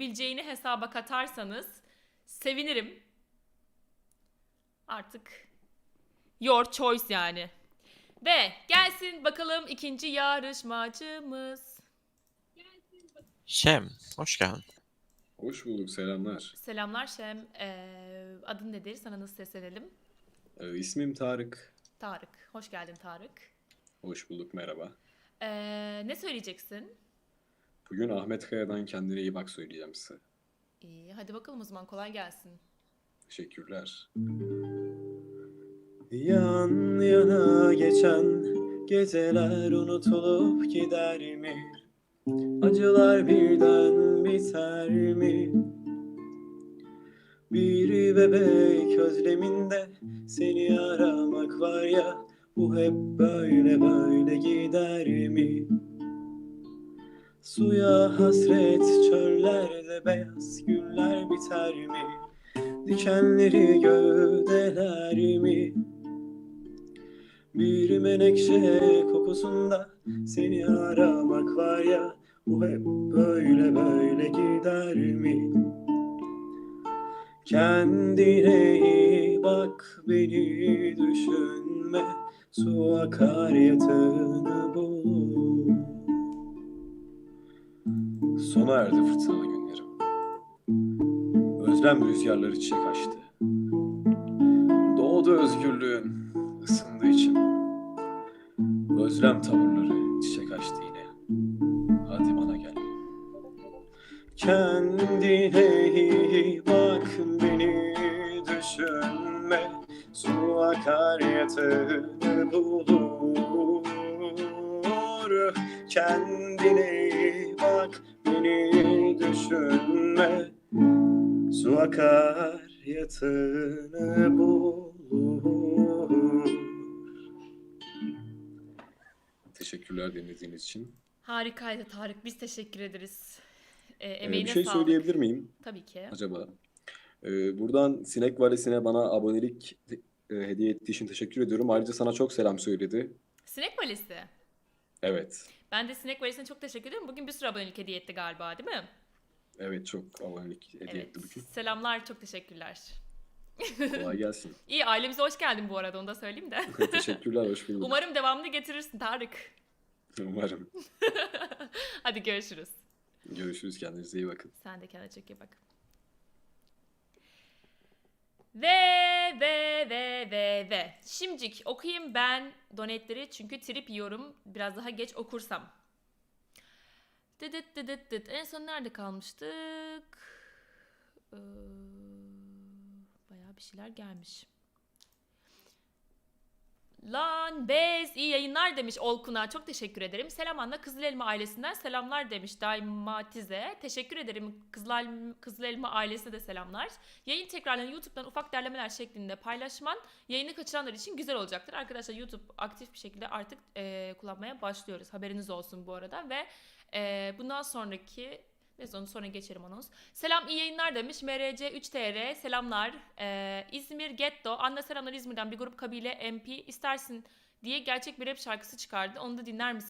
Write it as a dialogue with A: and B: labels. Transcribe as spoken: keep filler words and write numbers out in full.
A: bileceğini hesaba katarsanız sevinirim. Artık your choice yani. Ve gelsin bakalım ikinci yarışmacımız.
B: Şem, hoş geldin.
C: Hoş bulduk, selamlar.
A: Selamlar Şem. Ee, adın nedir? Sana nasıl seslenelim?
C: Ee, ismim Tarık.
A: Tarık. Hoş geldin Tarık.
C: Hoş bulduk, merhaba.
A: Ee, ne söyleyeceksin?
C: Bugün Ahmet Kaya'dan Kendine İyi Bak söyleyeceğim size.
A: İyi, hadi bakalım o zaman kolay gelsin.
C: Teşekkürler.
D: Yan yana geçen geceler unutulup gider mi? Acılar birden biter mi? Bir bebek özleminde seni aramak var ya, bu hep böyle böyle gider mi? Suya hasret çöllerde beyaz güller biter mi? Dikenleri gövdeler mi? Bir menekşe kokusunda seni aramak var ya, bu hep böyle böyle gider mi? Kendine iyi bak, beni düşünme, su akar yatağını bul.
C: Sona erdi fırtınalı günlerim. Özlem rüzgarları çiçek açtı. Doğdu özgürlüğün ısındığı için. Özlem tavırları çiçek açtı yine. Hadi bana gel.
D: Kendine iyi bak, beni düşünme, su akar yatağını bulur. Kendine iyi bak, beni düşünme, su akar yatağını bulur.
C: Teşekkürler dinlediğiniz için.
A: Harikaydı Tarık. Biz teşekkür ederiz. Ee,
C: Ee,
A: emeğine
C: bir şey
A: sağlık.
C: söyleyebilir miyim
A: Tabii ki.
C: acaba? Ee, buradan Sinek Valisi'ne bana abonelik e, hediye ettiği için teşekkür ediyorum. Ayrıca sana çok selam söyledi.
A: Sinek Valisi.
C: Evet.
A: Ben de Sinek Valisi'ne çok teşekkür ederim. Bugün bir sürü abonelik hediye etti galiba, değil mi?
C: Evet, çok abonelik hediye
A: Evet.
C: etti bugün.
A: Selamlar, çok teşekkürler.
C: Kolay gelsin.
A: İyi, ailemize hoş geldin bu arada, onu da söyleyeyim de.
C: Teşekkürler, hoş bulduk.
A: Umarım devamını getirirsin Tarık.
C: Umarım.
A: Hadi görüşürüz.
C: Görüşürüz, kendinize iyi bakın.
A: Sen de kendine çok iyi bak. Ve ve ve ve ve. Şimdicik okuyayım ben donetleri çünkü trip yiyorum. Biraz daha geç okursam. Dıdıt dıdıt dıt. En son nerede kalmıştık? Ee, bayağı bir şeyler gelmiş. Lan bez iyi yayınlar demiş Olkun'a. Çok teşekkür ederim. Selam Anna Kızıl Elma ailesinden selamlar demiş Daimatize. Teşekkür ederim Kızıl, Kızıl Elma ailesine de selamlar. Yayın tekrarlarını YouTube'dan ufak derlemeler şeklinde paylaşman yayını kaçıranlar için güzel olacaktır. Arkadaşlar YouTube aktif bir şekilde artık e, kullanmaya başlıyoruz. Haberiniz olsun bu arada ve e, bundan sonraki... Neyse onu sonra geçerim anons. Selam iyi yayınlar demiş. M R C üç T R selamlar. Ee, İzmir Getto. Anne selamlar İzmir'den bir grup kabile M P istersin diye gerçek bir rap şarkısı çıkardı. Onu da dinler misin?